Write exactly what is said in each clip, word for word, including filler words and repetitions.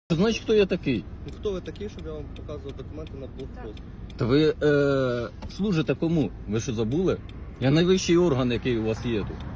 Значить, хто я такий? Ну, хто ви такий, щоб я вам показував документи на блокпост? Та ви е, служите кому? Ви що забули? Я найвищий орган, який у вас є тут.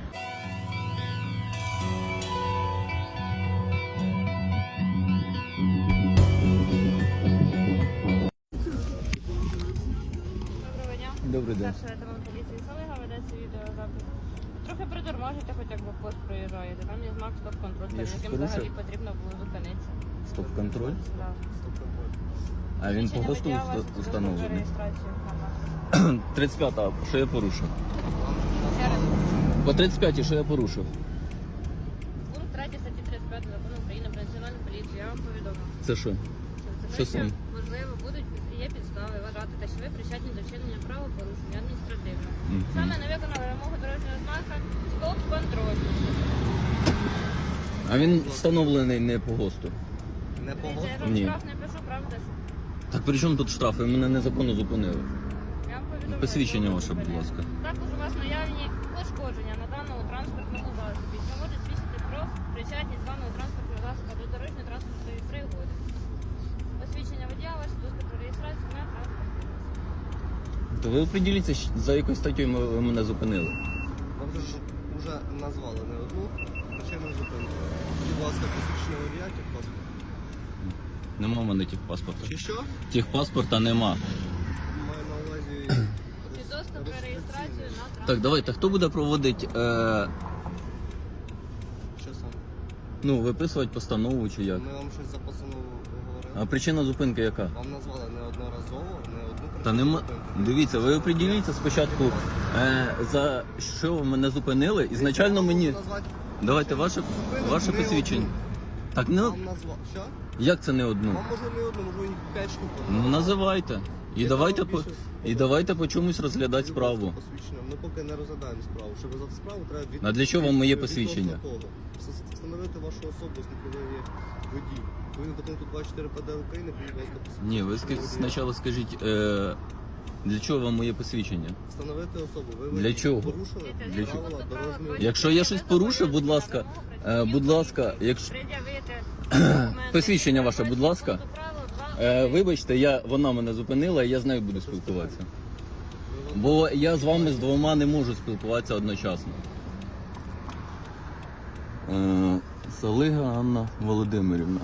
Доброго дня. Добрий день. Старший лейтенант поліції Солига, ведеться відеозапис. Трохи притормажите, хоч як блокпост проїжджаєте. Там є знак стоп-контроль, Я перед щось яким порушив? взагалі потрібно було зупинитися. Стоп-контроль? Да. А він по Свідчення госту водія, вашу уста- установлений. реєстрацію. Ага. тридцять п'ята, що я порушив? Ще раз. По тридцять п'ятій, що я порушив? Пункт третій статті тридцять п'ять Закону України про національну поліцію. Я вам повідомив. Це що? Що Що саме? можливо, будуть є підстави вважати, те, що ви причетні до вчинення правопорушення адміністративного. Мгм. Саме не виконали вимогу дорожнього знака стоп-контроль. А він встановлений не по госту. Не по Дивіться, я госту? вам Ні. штраф не пишу, правда ж? Так при чому тут штраф? Ви мене незаконно зупинили. Я вам повідомляю, Посвідчення що ваше, будь зупиняю. ласка. Також у вас наявні пошкодження на даному транспортному засобі, що може свідчити про причетність даного транспортного засобу до дорожньої транспортної пригоди. Посвідчення водія ваше доступ до реєстрації на транспортний засіб. То ви оприділіться, щ- за якою статтею ми- ви мене зупинили. Вам же ж вже назвали не одну причину зупинки. Будь ласка, посвідчення водія, техпаспорт. Нема в мене техпаспорта. Чи що? Техпаспорта нема. Маю на увазі... Чи доступ до реєстрації на транспорт. Так, давайте, хто буде проводити, е, Що саме? ну, виписувати постанову чи як? Ми вам щось за постанову А говорили. причина зупинки яка? Вам назвали неодноразово, не одну причину Та нема. зупинки. Дивіться, ви оприділіться спочатку, е, за що ви мене зупинили. Ізначально мені. Назвати Давайте ваше, зупинок ваше не посвідчення. одну. Так, не Вам назвав. Що? як це не одну? Вам може не одну, може їх п'ять штук. Ну називайте. І Я давайте вам по більше і давайте по чомусь розглядати Будь ласка, справу. посвідчення. Ми поки не розглядаємо справу. Щоб за справу треба від... А для чого вам моє від- посвідчення? відносно того. Вс- Встановити вашу особу, оскільки ви є водій. Ви до пункту двадцять чотири П Д України, будь ласка, посвідчення. Ні, ви ска- спочатку скажіть, е, для чого вам моє посвідчення? Встановити особу. Ви Для водій. чого? Порушили Для правила чого? дорожнього руху. Якщо я щось порушив, будь ласка, е, будь ласка, якщо посвідчення ваше, будь ласка. Е, вибачте, я, вона мене зупинила, і я з нею буду спілкуватися. Бо я з вами з двома не можу спілкуватися одночасно. Е, Солига Анна Володимирівна.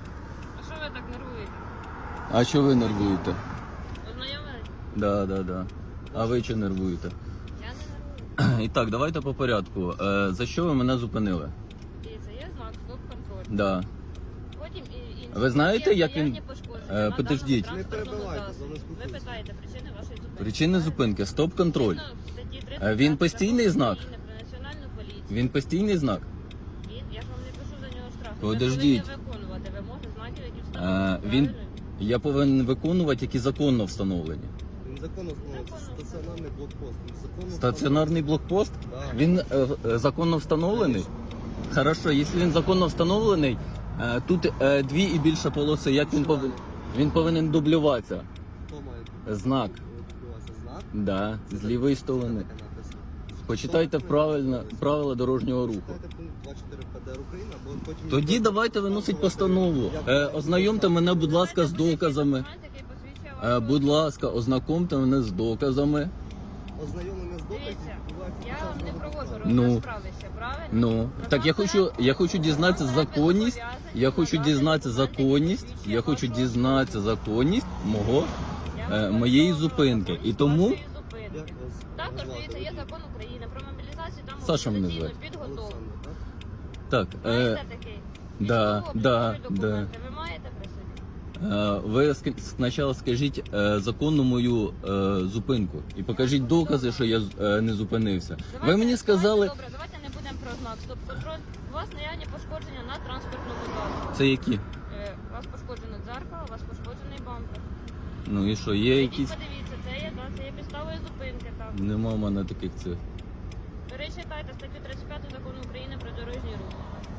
А що ви так нервуєте? А що ви нервуєте? Ознайомились? Да, да, да. А ви чи нервуєте? Я не нервую. І так, давайте по порядку. Е, за що ви мене зупинили? Дивіться, є знак стоп-контроль. Да. Потім і інші. Ви знаєте, Є як він- наявні пошкодження Е, на подождіть. даному Не транспортному перебивайте, засобі. за нас Ви спілкуємося. питаєте причини вашої зупинки. Причини зупинки, стоп-контроль. Згідно статті тридцять Е, він п'ять постійний Закону знак? України про національну поліцію. Він постійний знак? Він, я ж вам не пишу за нього штраф. Подождіть. Ви повинні виконувати вимоги знаків, які Е, встановлені. він, Правильно? я повинен виконувати, які законно встановлені. Він законно встановлений. Це Законно стаціонарний блокпост. Він законно Стаціонарний блокпост? Да. Він е, е, законно встановлений? Хорошо, якщо він законно встановлений, е, тут е, дві і більше полоси, як він повинен? Він повинен дублюватися. Хто має Знак. відбуватися? Знак? Да, з лівої сторони. Таке написано. Почитайте правильно правила дорожнього руху. Читайте пункт двадцять чотири П Д України, або потім... Тоді давайте виносить постанову. Е, ознайомте мене, будь ласка, з доказами. Документ, який посвідчує Е, вашу будь ласка, ознакомте мене з доказами. Ознайомлення з доказів Дивіться, відбувається під я час вам не розгляду проводжу справи. Ну. розгляд справи ще, правильно? Ну, так я хочу, я хочу дізнатися законність. Я хочу дізнатися законність. Я хочу дізнатися законність мого е, моєї зупинки. І тому Як вас також назвати? дивіться, є закон України про мобілізацію та Саша мене мобілізаційну звати. підготовку. Олександр, так? так, е, Знаєте такий? да, Військово-облікові да, документи ви маєте при собі? е, ви ск- спочатку скажіть е, законну мою е, зупинку і покажіть докази, що я е, не зупинився. Ви Давайте- мені сказали, Добре, давайте не будемо про знак стоп-контроль. У вас наявні пошкодження на транспортному засобі. це які? Е, У вас пошкоджено дзеркало, у вас пошкоджений бампер. Ну і що, є Ідіть, якісь? подивіться, це є, да, це є підставою зупинки там. Нема в мене таких цих. Перечитайте статтю тридцять п'ять Закону України про дорожній рух.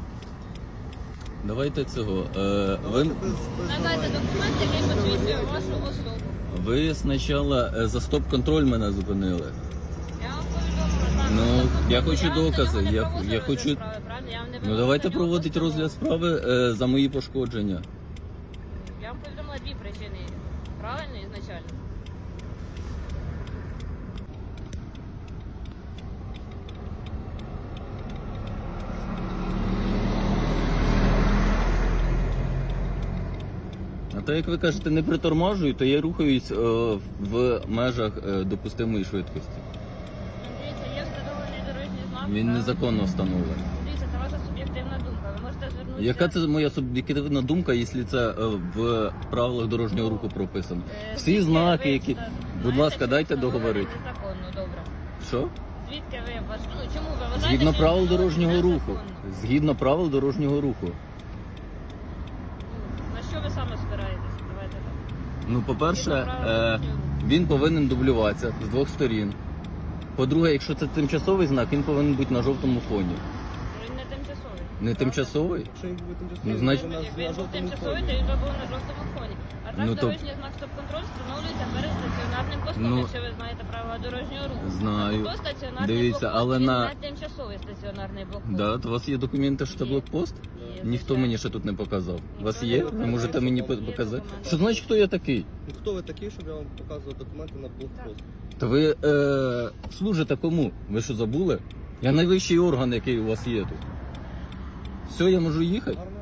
Давайте цього. Е, ви, Без- без Надайте давай. документ, який посвідчує вашу особу. ви спочатку е, за стоп-контроль мене зупинили. Я вам повідомила. так, Ну, стоп-контроль. я хочу вам докази, не я- проводжу я розгляд хочу- справи, правильно? Я вам не Ну давайте проводити розгляд справи е, за мої пошкодження. Я вам повідомила дві причини. Правильно, ізначально. А то, як ви кажете, не притормажую, то я рухаюсь е, в межах е, допустимої швидкості. Дивіться, є встановлений дорожній знак. Він так? незаконно встановлений. Дивіться, це ваша суб'єктивна думка. Ви можете звернутися... Яка це моя суб'єктивна думка, якщо це е, в правилах дорожнього руху прописано? Е, Всі звідки знаки, ви які... знаєте, Будь ласка, що дайте встановлено договорити. незаконно, добре. Що? Звідки ви ваш... Ну, чому ви вважаєте, Згідно що правил встановлено дорожнього руху. незаконно? Згідно правил дорожнього руху. Ну, на що ви саме спираєтесь? Давайте так. Ну, по-перше, Згідно правил е, дорожнього руху. він повинен дублюватися з двох сторін. По-друге, якщо це тимчасовий знак, він повинен бути на жовтому фоні. Він не тимчасовий. Не тимчасовий? Якщо він буде тимчасовий, Ну, значить- то на, Якби на він був жовтому тимчасовий, фоні. то він би був на жовтому фоні. А так Ну, то- дорожній знак стоп-контроль встановлюється перед стаціонарним постом, Ну, якщо ви знаєте правила дорожнього руху. знаю. А то стаціонарний Дивіться, блокпост, але він на- не тимчасовий стаціонарний блокпост. Да, то у вас є документи, що це Є. блокпост? Є, Ніхто звичайно. мені ще тут не показав. У вас Ніхто є? не Ви показав. можете мені Є по- показати? документи. Що значить, хто я такий? Ну, хто ви такий, щоб я вам показував документи на блокпост? Та ви е, служите кому? Ви що забули? Я найвищий орган, який у вас є тут. Все, я можу їхати? Гарно